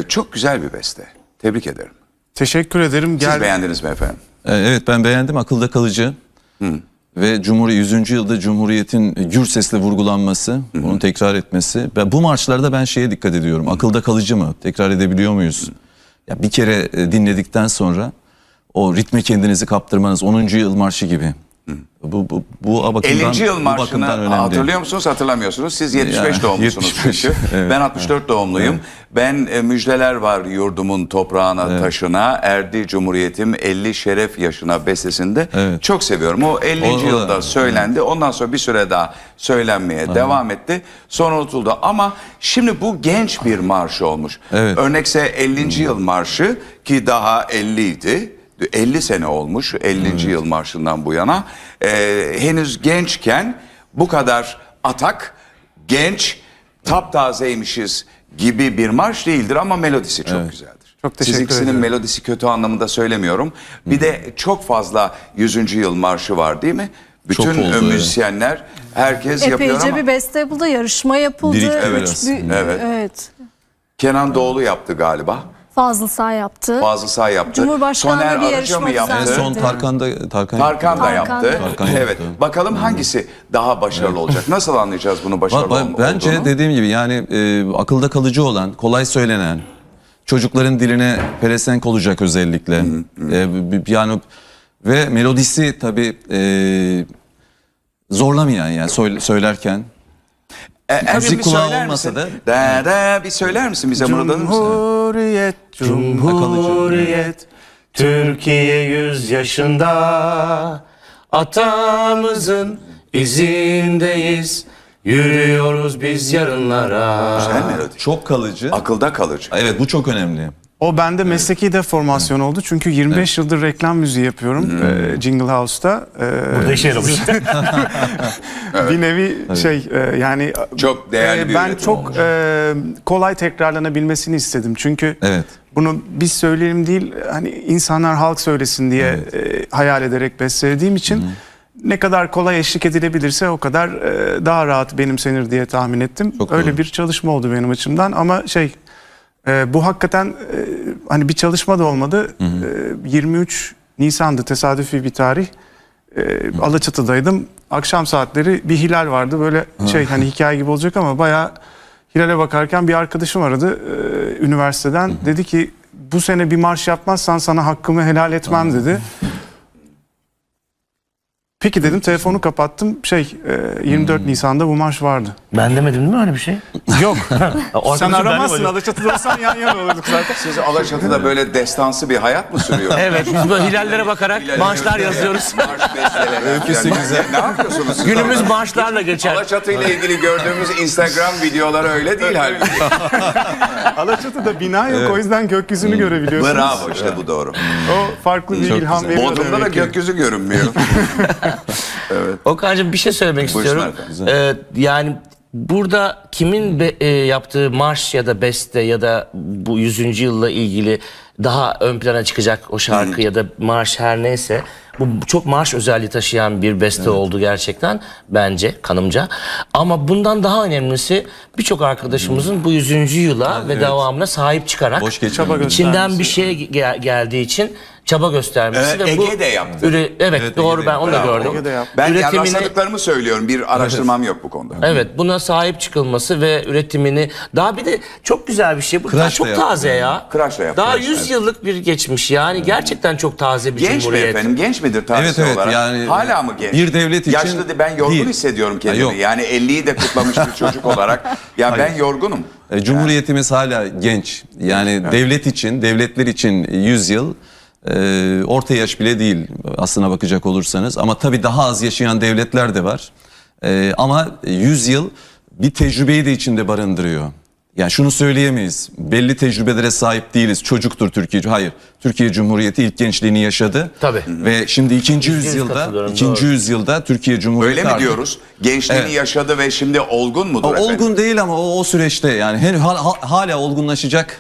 Çok güzel bir beste. Tebrik ederim. Teşekkür ederim. Siz beğendiniz mi efendim? Evet, ben beğendim. Akılda kalıcı. Ve 100. yılda Cumhuriyet'in gür sesle vurgulanması, bunu tekrar etmesi. Bu marşlarda ben şeye dikkat ediyorum. Akılda kalıcı mı? Tekrar edebiliyor muyuz? Ya bir kere dinledikten sonra o ritme kendinizi kaptırmanız 10. yıl marşı gibi. Bu bakımdan, 50. yıl bu marşını bakımdan önemli. hatırlıyor musunuz, hatırlamıyorsunuz? Siz 75 Yani, doğumlusunuz 75, çünkü. evet. Ben 64 doğumluyum. Evet. Ben müjdeler var yurdumun toprağına, taşına, erdi cumhuriyetim 50 şeref yaşına bestesinde Evet. çok seviyorum. O 50. O da- yılda söylendi. Ondan sonra bir süre daha söylenmeye devam etti. Sonra unutuldu. Ama şimdi bu genç bir marş olmuş. Evet. Örnekse 50. yıl marşı ki daha 50 idi. 50 sene olmuş 50. yıl marşından bu yana. Henüz gençken bu kadar atak, genç, taptazeymişiz gibi bir marş değildir ama melodisi çok güzeldir. Çok teşekkür Sizinkisinin ederim. melodisi kötü anlamında söylemiyorum. Bir de çok fazla 100. yıl marşı var değil mi? Bütün Çok oldu, müzisyenler, herkes yapıyor Epeyce ama bir beste yapıldı, yarışma yapıldı. Birikti Üç biraz. Evet. Kenan Doğulu yaptı galiba. Fazıl Say yaptı. Fazıl Say yaptı. Cumhurbaşkanlığı Soner bir Arıca yarışma mı yaptı? En son Tarkan da Tarkan da yaptı. Tarkan Evet. yaptı. Bakalım hangisi daha başarılı olacak? Nasıl anlayacağız bunu başarılı Bence olduğunu? dediğim gibi yani akılda kalıcı olan, kolay söylenen, çocukların diline pelesenk olacak özellikle. Yani ve melodisi tabii zorlamayan yani söylerken. Ergün, müzik bir kulağı söyler olmasa misin? da- Bir söyler misin bize mırıldanır mısın? Cumhuriyet, Cumhuriyet, Türkiye 100 yaşında. Atamızın izindeyiz, yürüyoruz biz yarınlara. Güzel melodi. Çok kalıcı. Akılda kalıcı. Evet, bu çok önemli. O bende mesleki deformasyon oldu. Çünkü 25 yıldır reklam müziği yapıyorum Jingle House'ta. Burada işe yaramış. Bir nevi yani Çok değerli bir ben üretim çok olmuş. kolay tekrarlanabilmesini istedim. Çünkü Evet. bunu biz söyleyelim değil, hani insanlar halk söylesin diye hayal ederek bestelediğim için ne kadar kolay eşlik edilebilirse o kadar daha rahat benimsenir diye tahmin ettim. Çok Öyle doğru. bir çalışma oldu benim açımdan ama bu hakikaten hani bir çalışma da olmadı. 23 Nisan'dı, tesadüfi bir tarih. Alaçatı'daydım. Akşam saatleri bir hilal vardı. Böyle hani hikaye gibi olacak ama bayağı hilale bakarken bir arkadaşım aradı üniversiteden. Dedi ki bu sene bir marş yapmazsan sana hakkımı helal etmem dedi. Peki dedim, telefonu kapattım. 24 Nisan'da bu marş vardı. Ben demedim değil mi öyle bir şey? Yok. O Sen arkadaşım aramazsın. benle- Alaçatı'da olsan yan yana olurduk zaten. Siz Alaçatı'da böyle destansı bir hayat mı sürüyor? Evet, biz böyle hilallere bakarak marşlar yazıyoruz. Marş besteleri. Öyküsü Yani güzel. Ne yapıyorsunuz siz Günümüz orada? marşlarla geçer. Alaçatı ile ilgili gördüğümüz Instagram videoları öyle değil halbuki. Alaçatı'da bina yok, o yüzden gökyüzünü görebiliyorsunuz. Bravo, işte bu doğru. O farklı bir Çok ilham güzel. veriyor. Bodrum'da da demek ki. gökyüzü görünmüyor. Okan'cığım bir şey söylemek Buyursunlar istiyorum. efendim. Yani burada kimin yaptığı marş ya da beste ya da bu 100. yılla ilgili daha ön plana çıkacak o şarkı ya da marş her neyse, bu çok marş özelliği taşıyan bir beste oldu gerçekten bence, kanımca. Ama bundan daha önemlisi birçok arkadaşımızın bu 100. yıla ve devamına sahip çıkarak Boş geçmemek. içinden bir şey geldiği için çaba göstermesi ve bu Ege de yaptı. Evet, Evet, doğru, Ege de ben onu da Bravo. gördüm. Ege de yaptı. Ben Üretimini- rastladıklarımı söylüyorum. Bir araştırmam yok bu konuda. Evet, buna sahip çıkılması ve üretimini daha bir de çok güzel bir şey. Bu daha Kıraç da çok yaptı. taze ya. Kıraç da yaptı, Daha evet. 100 yıllık bir geçmiş yani gerçekten çok taze bir Genç mi cumhuriyet. efendim? Genç midir tarihsel Evet, olarak? yani Hala mı genç? bir devlet için Yaşlı ben yorgun değil. hissediyorum Ha, kendimi. yok. Yani 50'yi de kutlamış bir çocuk olarak. Ya ben yorgunum. Cumhuriyetimiz hala genç. Yani devlet için, devletler için 100 yıl orta yaş bile değil aslına bakacak olursanız. Ama tabii daha az yaşayan devletler de var. Ama 100 yıl bir tecrübeyi de içinde barındırıyor. Yani şunu söyleyemeyiz. Belli tecrübelere sahip değiliz. Çocuktur Türkiye. Hayır. Türkiye Cumhuriyeti ilk gençliğini yaşadı. Tabii. Ve şimdi ikinci katılıyorum, yüzyılda Türkiye Cumhuriyeti Öyle mi artık- diyoruz? Gençliğini Evet. yaşadı ve şimdi olgun mudur efendim? Olgun değil ama o süreçte yani hala olgunlaşacak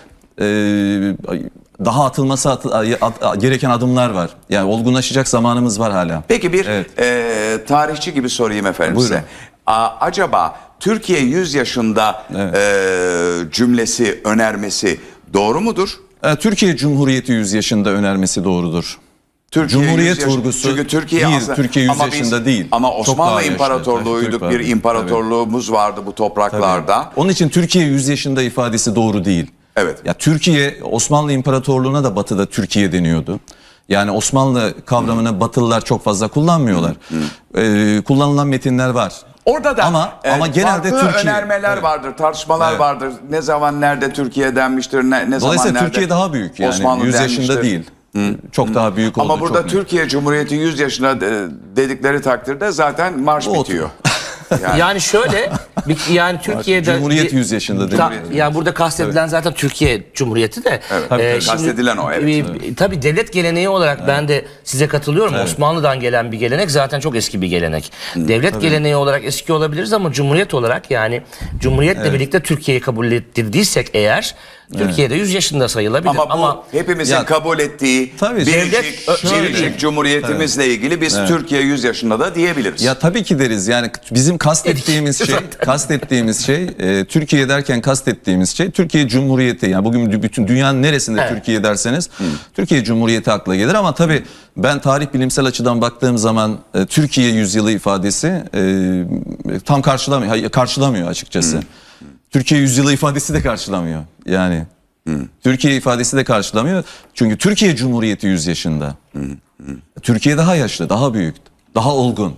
daha atılması gereken adımlar var. Yani olgunlaşacak zamanımız var hala. Peki bir Evet. tarihçi gibi sorayım efendim Buyurun. size. Acaba Türkiye 100 yaşında cümlesi, önermesi Doğru mudur? Türkiye Cumhuriyeti 100 yaşında önermesi doğrudur. Türkiye Cumhuriyet 100 yaş- vurgusu Çünkü Türkiye değil, aslında, Türkiye 100 ama biz- yaşında değil. Ama Çok Osmanlı daha yaşlı. İmparatorluğu'yduk, Türk bir vardı. imparatorluğumuz vardı bu topraklarda. Onun için Türkiye 100 yaşında ifadesi doğru değil. Evet. Ya Türkiye, Osmanlı İmparatorluğu'na da Batı'da Türkiye deniyordu. Yani Osmanlı kavramını Batılılar çok fazla kullanmıyorlar. Kullanılan metinler var. Orada da ama genelde farklı Türkiye önermeler Evet. vardır, tartışmalar Evet. vardır. Ne zaman nerede Türkiye denmiştir, ne zaman Dolayısıyla nerede Türkiye daha büyük yani Osmanlı 100 denmiştir. yaşında değil. Çok daha büyük oldu. Ama burada çok büyük. Türkiye Cumhuriyeti 100 yaşına dedikleri takdirde zaten marş O bitiyor. Yani şöyle yani Türkiye'de Cumhuriyet 100 yaşında değil. Yani burada kastedilen zaten Türkiye Cumhuriyeti de. Tabii, kastedilen o, evet. Tabii devlet geleneği olarak ben de size katılıyorum. Osmanlı'dan gelen bir gelenek zaten çok eski bir gelenek. Devlet geleneği olarak eski olabiliriz ama Cumhuriyet olarak yani Cumhuriyetle birlikte Türkiye'yi kabul ettirdiysek eğer Türkiye'de 100 yaşında sayılabilir. Ama bu hepimizin Ya, kabul ettiği tabii, biricik Cumhuriyetimizle ilgili biz Türkiye 100 yaşında da diyebiliriz. Ya tabii ki deriz. Yani bizim kastettiğimiz şey Türkiye derken kastettiğimiz şey Türkiye Cumhuriyeti. Yani bugün bütün dünyanın neresinde Türkiye derseniz Türkiye Cumhuriyeti akla gelir ama tabii ben tarih bilimsel açıdan baktığım zaman Türkiye yüzyılı ifadesi tam karşılamıyor açıkçası. Türkiye yüzyılı ifadesi de karşılamıyor. Yani Türkiye ifadesi de karşılamıyor. Çünkü Türkiye Cumhuriyeti 100 yaşında. Türkiye daha yaşlı, daha büyük, daha olgun.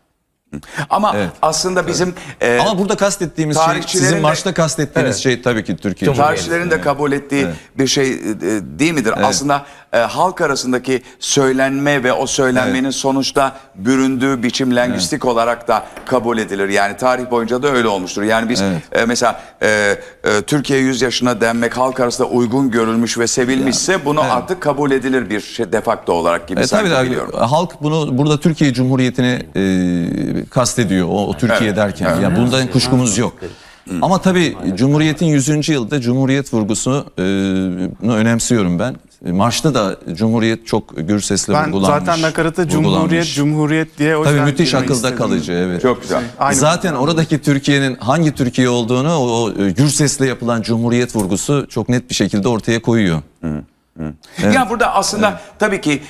Ama aslında bizim Ama burada kastettiğimiz şey, tarihçilerin sizin de- marşta kastettiğiniz şey tabii ki Türkiye. tarihçilerin de kabul ettiği bir şey değil midir? Aslında halk arasındaki söylenme ve o söylenmenin sonuçta büründüğü biçim lingüistik olarak da kabul edilir. Yani tarih boyunca da öyle olmuştur. Yani biz mesela Türkiye 100 yaşına denmek halk arasında uygun görülmüş ve sevilmişse bunu artık kabul edilir bir şey defakto olarak gibi sanki Tabii biliyorum. halk bunu burada Türkiye Cumhuriyeti'ni kastediyor o Türkiye derken. Yani bundan kuşkumuz yok. Ama tabii Cumhuriyet'in 100. yılda Cumhuriyet vurgusunu önemsiyorum ben. Marşta da Cumhuriyet çok gür sesle Ben vurgulanmış. zaten nakaratı vurgulanmış. Cumhuriyet diye o Tabii yüzden müthiş girmek akılda istedim. kalıcı, evet. Çok güzel. Aynı Zaten oradaki Türkiye'nin hangi Türkiye olduğunu o gür sesle yapılan Cumhuriyet vurgusu çok net bir şekilde ortaya koyuyor. Ya burada aslında tabii ki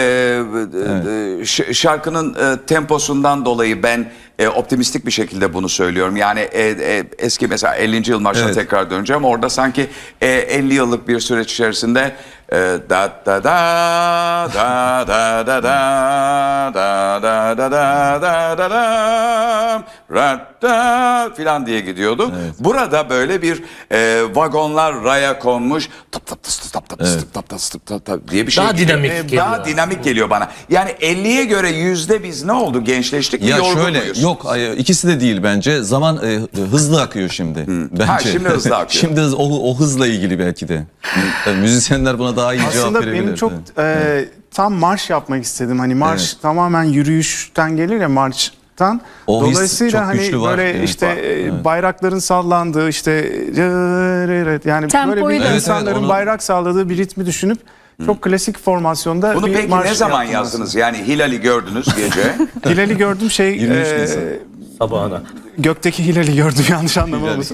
şarkının temposundan dolayı ben optimistik bir şekilde bunu söylüyorum. Yani eski mesela 50. yıl marşına Evet. tekrar döneceğim. Orada sanki 50 yıllık bir süreç içerisinde da da da da da da da da da da da da da da da filan diye gidiyordu. Burada böyle bir vagonlar raya konmuş tap tap tıs tap tap tıs tap tıs tap tap diye bir şey. Daha geliyor. dinamik geliyor. Daha dinamik geliyor bana. Yani 50'ye göre yüzde biz ne oldu? Gençleştik mi? Ya Yorgun şöyle muyuz? yok ikisi de değil bence. Zaman hızlı akıyor şimdi. Bence. Ha, şimdi hızlı akıyor. Şimdi o hızla ilgili belki de. Tabii müzisyenler buna daha iyi cevap Aslında verebilir. benim çok tam marş yapmak istedim. Hani marş Evet. tamamen yürüyüşten gelir ya marştan. O his Dolayısıyla çok hani güçlü var. böyle Evet, işte var. bayrakların sallandığı işte yani Tempoyu böyle bir da- insanların onu- bayrak salladığı bir ritmi düşünüp çok klasik formasyonda Bunu bir peki marş ne zaman yaptım yazdınız? Yani Hilal'i gördünüz gece. aslında. Hilal'i gördüm 23 Nisan. Sabahına. gökteki Hilal'i gördüm yanlış anlama olmasın.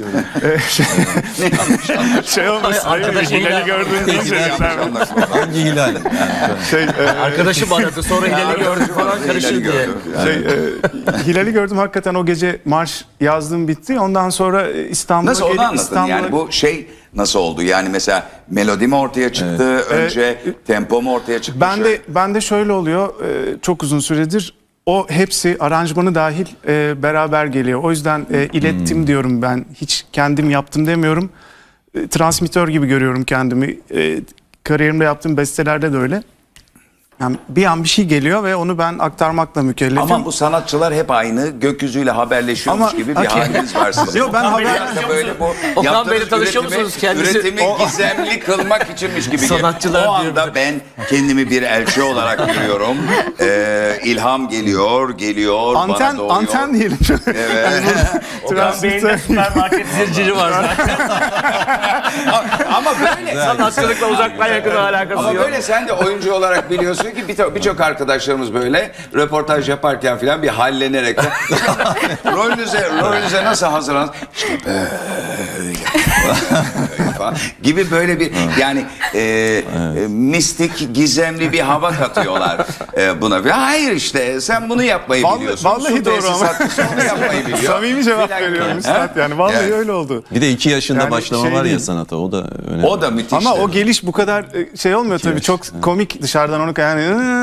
Şey olmasın. Arkadaş Hilal'i Hilal- gördüm deyince Hangi hilal? Yani, Arkadaşım aradı sonra Hilal'i gördük falan karışır diye. Hilal'i gördüm hakikaten o gece marş yazdım bitti. Ondan sonra İstanbul'a Nasıl onu gelip anlatın? İstanbul'a Yani bu şey nasıl oldu? Yani mesela melodi mi ortaya çıktı? Önce tempo mu ortaya çıktı? ben de şöyle oluyor. Çok uzun süredir o hepsi aranjmanı dahil beraber geliyor. O yüzden ilettim diyorum ben. Hiç kendim yaptım demiyorum. Transmitör gibi görüyorum kendimi. Kariyerimde yaptığım bestelerde de öyle. Yani bir an bir şey geliyor ve onu ben aktarmakla mükellefim. Ama bu sanatçılar hep aynı gökyüzüyle haberleşiyormuş Ama- gibi bir haliniz var sizin. Yok, ben haber- Biraz da böyle bu Okan yaptığınız Bey'le tanışıyor üretimi- musunuz kendisi? Üretimi gizemli kılmak içinmiş gibi. Sanatçılar O anda ben kendimi bir elçi olarak görüyorum. İlham geliyor, bana doğuyor. Anten diyelim. Okan Bey'in de süpermarket zinciri var zaten. Ama böyle Sanatçılıkla uzaktan yakın alakası Ama yok. böyle sen de oyuncu olarak biliyorsun ki birçok arkadaşlarımız böyle röportaj yaparken falan bir hallenerek rolünüze nasıl hazırlan? İşte böyle falan gibi böyle bir yani mistik, gizemli bir hava katıyorlar buna. Ve hayır işte sen bunu yapmayı biliyorsun. Vallahi Su doğru tesisatçısı ama. onu yapmayı biliyor. Samimi cevap Bir dakika. veriyorum üstad yani. Vallahi Evet. öyle oldu. Bir de 2 yaşında Yani başlama şey var ya değil. sanata, o da önemli. O da müthiş. Ama o tabii. geliş bu kadar şey olmuyor tabii. yaş. Çok komik dışarıdan onu yani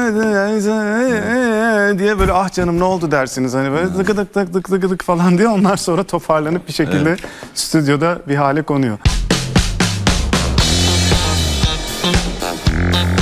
diye böyle ah canım ne oldu dersiniz. Hani böyle dık dık dık dık dık dık falan diye onlar sonra toparlanıp bir şekilde stüdyoda bir hale konuyor.